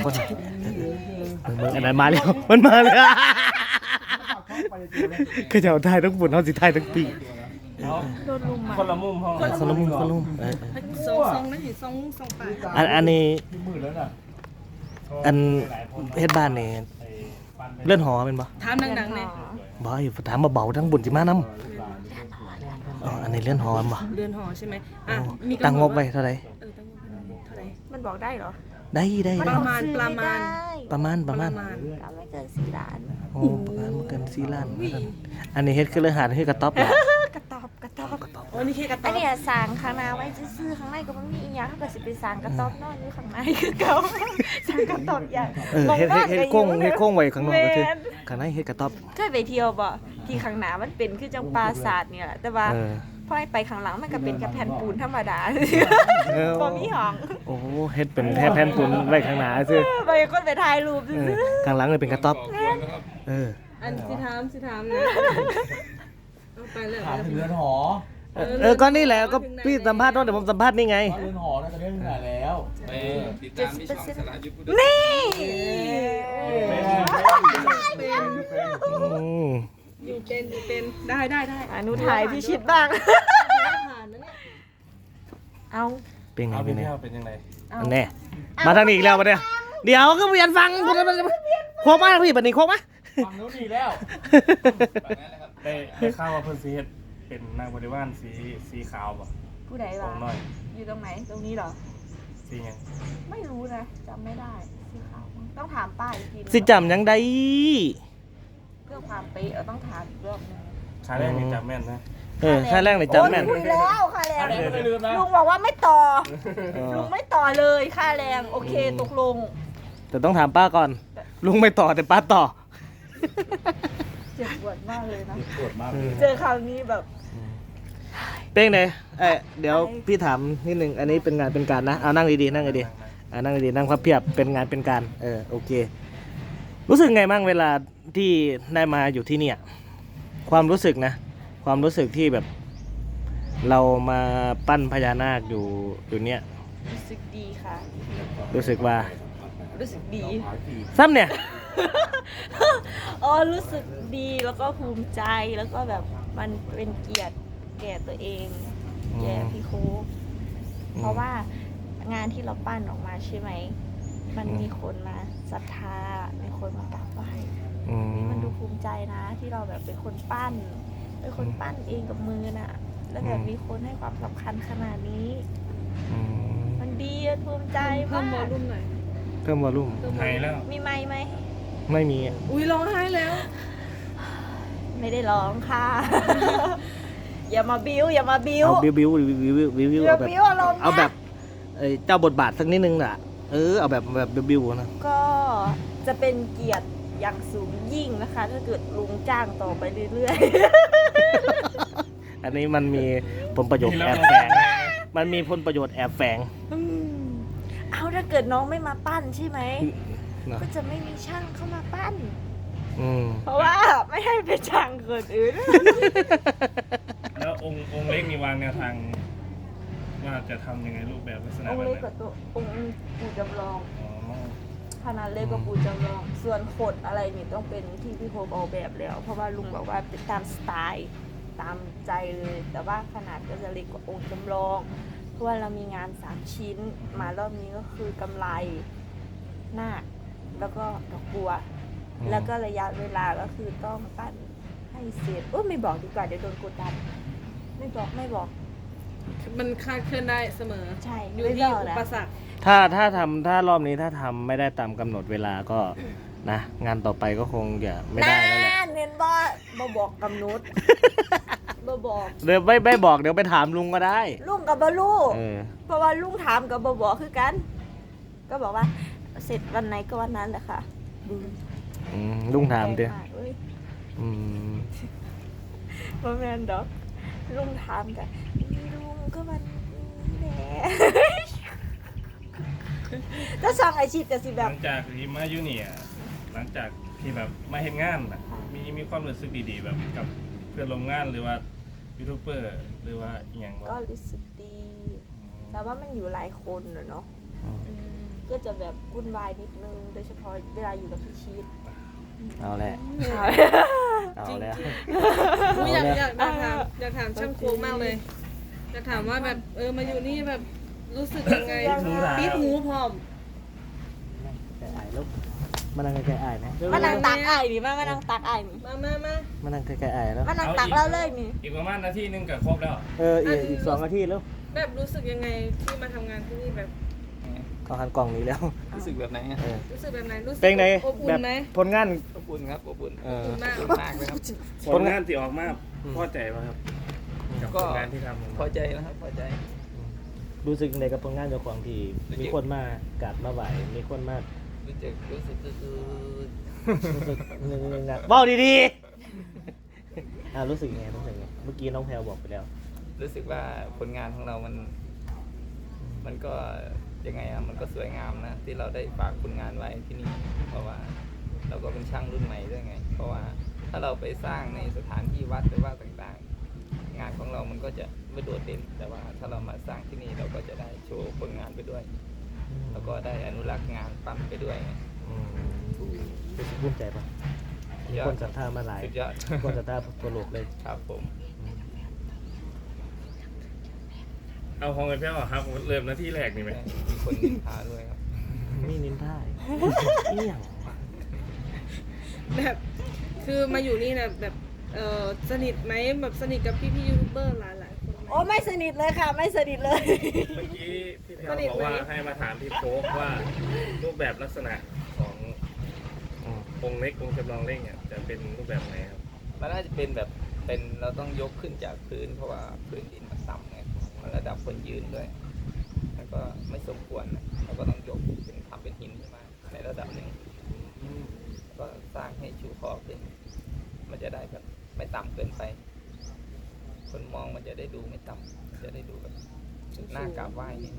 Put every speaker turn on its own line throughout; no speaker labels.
คนมึงอันนั้นมาแล้วมันมาแล้วคือจะเอาไทยทั้งบุญเอาสิไทยทั้งปี
โดนลุมมา
คนละมุมห้อง
คนละมุมคนละมุม
ซองนั่นเห็นซองปลาย
อันนี้อันเฮ็ดบ้านนี่เลื่อนหอเป็นบ่
ถามดังๆเลย
บ่อยู่ถามเบาๆทั้งบุญสิมานํอ๋ออันนี้เลื่อนหอบ่
เรือนหอใช่ไหมอ่ะมี
ตั้งงบไว้เท่าไหร่
ตั้งงบเท่าไหร่
มันบอกได้เหรอ
ได้
ประมาณ
ประมาณ
ก็ไม่เกิน4 ล้าน
โอ้ประมาณบ่เกิน4ล้านอันนี้เฮ็ดคือเรื่องหาคือกระต๊อบล่ะ
กระตอบ
โอ้นี่แค่กระ
อั
ต๊
น
อบ
นี้สร้างข้างหน้าไว้ซื่อๆข้างในก็ไม่มีอีหยังถ้าเกิดสิไปสร้างกระต๊อบนอนอยู่ข้างในคือเก่าสร้างกระต๊อบอย่าง
เฮ็ดโค้งไว้ข้างนอกก็คือข้างในเฮ็ดกระต๊อบ
เคยไปเที่ยวบ่ที่ข้างหน้ามันเป็นคือจังปราสาทเนี่ยแหละแต่ว่าพอไปข้างหลังมันก็เป็นแค่แผ่นปูนธรรมดาบ่มีห้อง
โอ้เฮ็ดเป็นแผ่นปูนไว้ข้างหน้าซื่อ
ไปก็ไปถ่ายรูปซื่อ
ข้างหลังเลยเป็นกระต๊อบ
อันสิถามนะเอาไปเลย
ถามถึงเรือนหอ
ก็นี่แหละก็พี่สัมภาษณ์เดี๋ยวผมสัมภาษณ์นี่ไง
เรือนหอน่าจะได้เท่าไหร่แล้ว
ติดตามที่ช่องสระยุทธ
ๆนี่
อยู่เป็นได้
อนุถ่ายพี่ชิดบ้าง
ผ่านนะเนี่ย
เอา
เป็นไง
เอาไป
เป็นไง
เที่ยวเป็นยังไง
อันแน่มาทางนี้อีกแล้วมาเนี่ยเดี๋ยวก็เรียนฟังโค้งมาพี่บัดนี้โค้งมา
ฝั่งนู้นดีแล้วได้ข้าวว่าเพิ่นสีเฮ็ดเป็นนางบริวารสีขาวป่ะ
ผู้ใด
ข
วะ
องน้อย
อยู่ตรงไหนตรงนี้เหรอ
สีหยัง
ไม่รู้นะจำไม่ได้สีขาวมั้งต้องถามป้าอีกทีนึง
สิจำยังได้
เพื่อความเป๊ะต้องถามอีกรอบนึง
ขาแรกนี่จำแม่นนะ
ค่าแรกเลยจำแม่น
คุยแล้วค่าแรง
ขาแรกไม่ลืมนะ
ลุงบอกว่าไม่ต่อลุงไม่ต่อเลยค่าแรงโอเคตกลง
แต่ต้องถามป้าก่อน ลุงไม่ต่อแต่ป้าต่อ
เจ็บปวดมากเลยนะ
ปวดมาก
เจอคราวนี้แบบ
เป็นไงเดี๋ยวพี่ถามนิดนึงอันนี้เป็นงานเป็นการนะเอานั่งดีๆนั่งดีๆนั่งดีๆนั่งพับเพียบเป็นงานเป็นการโอเค รู้สึกไงบ้างเวลาที่ได้มาอยู่ที่เนี่ยความรู้สึกนะความรู้สึกที่แบบ เรามาปั้นพญานาคอยู่เนี่ย
รู้สึกดีค่ะ
รู้สึกว่า
รู้สึกดี
ซ้ำเนี่ย
อ๋อรู้สึกดีแล้วก็ภูมิใจแล้วก็แบบมันเป็นเกียรติแก่ตัวเองแก่พี่โค้กเพราะว่างานที่เราปั้นออกมาใช่ไหมมันมีคนมาศรัทธามีคนมากราบไหว้มันดูภูมิใจนะที่เราแบบเป็นคนปั้นเองกับมือน่ะ แล้วแบบมีคนให้ความสำคัญขนาดนี้มันดีอะภูมิใจ
เพิ่
มาม
วอก ลลุ่มหน่อย
เพิ่มวอลลุ่ม
หายแล้ว
มีไมค์ไหม
ไม่มี
อุ้ยร้องไห้แล้ว
ไม่ได้ร้องค่ะ อย่ามาบิ้วอย่ามาบิ้ว
เอาบิว
อย่า
เอาแบบ
บิ้วอารมณ์นะ
เอาแบบเจ้าบทบาทสักนิดนึงน่ะเอาแบบบิวนะ
ก็จะเป็นเกียรติอย่างสูงยิ่งนะคะ ถ้าเกิดลุงจ้างต่อไปเรื่อย
อันนี้มันมีผลประโยชน์แอบแฝงมันมีผลประโยชน์แอบแฝง
ๆเอาถ้าเกิดน้องไม่มาปั้นใช่ไหม
นะ
ก็จะไม่มีช่างเข้ามาปั้น
อืม
เพราะว่าไม่ให้เป็นช่างคนอื่น
แล้วองค์เล็กมีวางแนวทางว่าจะทำยังไงรูปแบบลักษณะ
อง
แบ
ค์
บ
เล็ก
ไหน
กว่าตัวองค์ปู่จำลอง
อ๋อ
ขนาดเล็กกว่าปู่จำลอง ส่วนขดอะไรนี่ต้องเป็นที่พี่โคบออกแบบแล้ว เพราะว่าลุงบอกว่าเป็นตามสไตล์ตามใจเลย แต่ว่าขนาดก็จะเล็กกว่าองค์จำลอง เพราะว่าเรามีงาน3ชิ้น มารอบนี้ก็คือกำไรหน้าคแล้วก็ดอกบัว แล้วก็ระยะเวลาก็คือต้องปั้นให้เสร็จไม่บอกดีกว่าเดี๋ยวโดนกดดันไม่บอก
มันคลาดเคลื่อนได้เสมอ
ใช่
อยู่
ไม่
ที่
บอก
อุ
นะ
ปสรรค
ถ้ารอบนี้ถ้าทำไม่ได้ตามกำหนดเวลาก็นะงานต่อไปก็คงจะไม่ได้แล้วแหละ
เน้นบ่บอกกำหนดบ่บอก
เดี๋ยวไม่บอกเดี๋ยวไปถามลุงก็ได้
ลุงกับบ่ลูก
เออ
เพราะว่าลุงถามกับบ่บอกคือกัน ก็บอกว่า เสร็จวันไหนก็วันนั้นแหละค่ะ
ลุงถามดิ
แรงกเว้ย
อืม
บ่แม่นดอกลุงถามกันลุงก็วันนี้แหละ ถ้าสั่งอาชีพก็สิ
ห
แบ
ลั
บ
งจากที่มาอยู่เนี่ยหลังจากที่แบบมาเห็นงานน่ะมีความรู้สึกดีๆแบบกับเพื่อนร่วมงานหรือว่ายูทูบเบอร์หรือว่าอหย่าง
ก็รู้สึกดี แต่ว่ามันอยู่หลายคนเนอะ
อืม
อืมก็จะแบบวุ่นวายนิดนึงโดยเฉพาะเวลาอยู่กับพี่ชีต
เอาแหละเอาแล้ว
อุ๊ยอยากถามช่างโค้งมากเลยอยากถามว่าแบบมาอยู่นี่แบบรู้สึกยังไงปิดหูพร้อม
แกไอ้ลูกมานั่งใกล้ๆไอ้นะ
มานั่งตักอ้ายนี่มานั่งตักอ้ายนี่
มา
นั่งใกล้ๆไอ้แล้ว
มานั่งตักเราเลยนี่
อีกประมาณนาทีนึงก็ครบแล้ว
อีก2 นาทีแล้ว
แบบรู้สึกยังไงที่มาทำงานที่นี่แบบ
เขาหันกล่องนี้แล้ว
รู้สึกแบบไหนอะ
รู้สึกแบบไหนรู้สึก
เป็นไง
อบอุ่
แบบ
นไหม
ผลงาน
อบอุ่นครับอบอุ่น
อบอุ่นมาก
อบอุ่นมากเลยครับ
ผลงานที่ออกมาพอใจป่ะครับกับผลงานที่ทำ
พอใจนะครับพอใจ
รู้สึกในกับผลงานเจ้าของที่มีคนมากราดมาไหวมีคนมา
รู้สึกคือ
รู้สึกนึงนะบอกดีๆรู้สึกไงเมื่อกี้น้องแพลวบอกไปแล้ว
รู้สึกว่าผลงานของเรามันก็ยังไงอะมันก็สวยงามนะที่เราได้ฝากผลงานไว้ที่นี่เพราะว่าเราก็เป็นช่างรุ่นใหม่ด้วยไง เพราะว่าถ้าเราไปสร้างในสถานที่วัดหรือว่าต่างๆ งานของเรามันก็จะไม่โดดเด่นแต่ว่าถ้าเรามาสร้างที่นี่เราก็จะได้โชว์ผลงานไปด้วย แล้วก็ได้อนุรักษ์งานปั้นไปด้วยไง
รู้สึกภูมิใจปะมีคนศรัทธามาหลาย
สุดยอด
คนศรัทธาทั่วโลกเลย
ครับผม
เอาของกันแพ้วครับเริ่มนาทีแรกนี่ไหม
มีคนนินทาด้วยครับ
นี่นินท่ายเอี่ยง
แบบคือมาอยู่นี่นะแบบสนิทไหมแบบสนิทกับพี่ยูทูบเบอร์หลายๆคนไหม
โอ้ไม่สนิทเลยค่ะ ไม่สนิทเลย
เมื่อกี้พี่แพรวบอกว่าให้มาถามพี่โฟกว่ารูปแบบลักษณะขององค์เล็กองค์จำลองเล็กเนี่ยจะเป็นรูปแบบไหนครับ
มันน่าจะเป็นแบบเป็นเราต้องยกขึ้นจากพื้นเพราะว่าพื้นดินมันต่ำไงมันระดับคนยืนด้วยแล้วก็ไม่สมควรนะเราก็ต้องยกเป็นทำเป็นหินขึ้นมาในระดับหนึ่งก็สร้างให้ชูคอขึ้น มันจะได้แบบไม่ต่ำเกินไป คนมองมันจะได้ดูไม่ต่ำจะได้ดูแบบหน้ากราบไหว้เนี่ย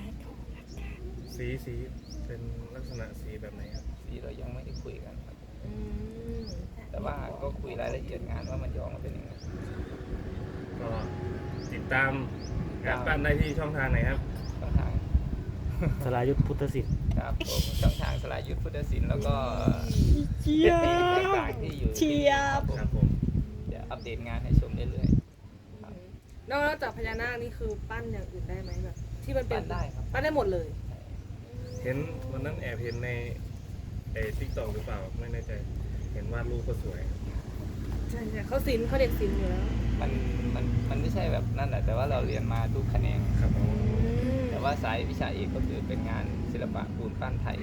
สีเป็นลักษณะสีแบบไหนครับ
ที่เรายังไม่ได้คุยกันครับ
อืม
แต่ว่าก็คุยรายละเอียดงานว่ามันจะออกมาเป็นยังไง
ก็ติดตามการปั้นได้ที่ช่องทางไหนครับ
ช่องทาง
สรายุทธพุทธศิษย์
ครับผมช่องทางสลายยุทธพุทธศิลป์แล้วก็
เชีย
ต่างๆที่อยู่ที่นี่ครับผม
ครับผม
จะอัปเดตงานให้ชมเรื่อย
นอกจากพญานาคนี่คือปั้นอย่างอื่นได้ไหมแบบที่มัน
ๆ
เป็น
ปั้นได้ครับ
ปั้นได้หมดเลย
เห็นวันนั้นแอบเห็นในทิกตอกหรือเปล่าไม่แน่ใจ เห็นวาดรูปก็สวย
ใช่เขาศิลป์เขาเด็กศิลป์อยู่แล้ว
มันไม่ใช่แบบนั่นแหละแต่ว่าเราเรียนมาทุกแขนง
ครับผม
แต่ว่าสายวิชาเอกก็คือเป็นงานศิลปะปูนปั้นไทย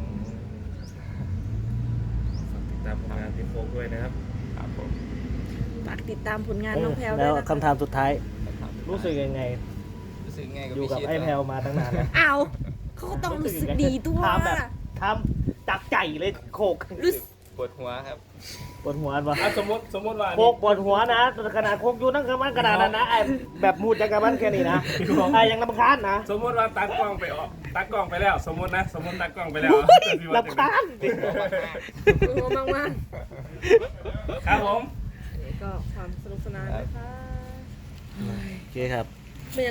ฝากติดตามผลงานพี่โฟกด้วยนะครับ
ครับผม
ฝากติดตามผลงานน้องแพลวด้
แล้ว วย
นะคะ
คำถามสุดท้าย
นะครับ
รู้สึกยังไง
รู้สึกไงกับ
อยู่
พี่
กับ
ชิด
ไอ้แพลวมาตั้งนานแล้ว
อ้าวเขาก็ต้องรู้สึกดีด้วย
ทำแบบทำจากใจเลยโขก
รู้สึก
ปวดหัวครับ
ปวดหัวปะ
สมมติว่า
โขกปวดหัวนะขนาดโขกอยู่นั่งกับมันขนาดนั้นนะไอ้แบบมูดจากกับมันแค่นี้นะไอ้ยังรำคาญนะ
สมมติว่าตัดกล้องไปตัดกล้องไปแล้ว สมมติตัดกล้องไปแล้ว
รำคาญ
โอ้มากมาก
ครับผม
ๆก็ความสนุกสนานนะคะ
โอเคครับ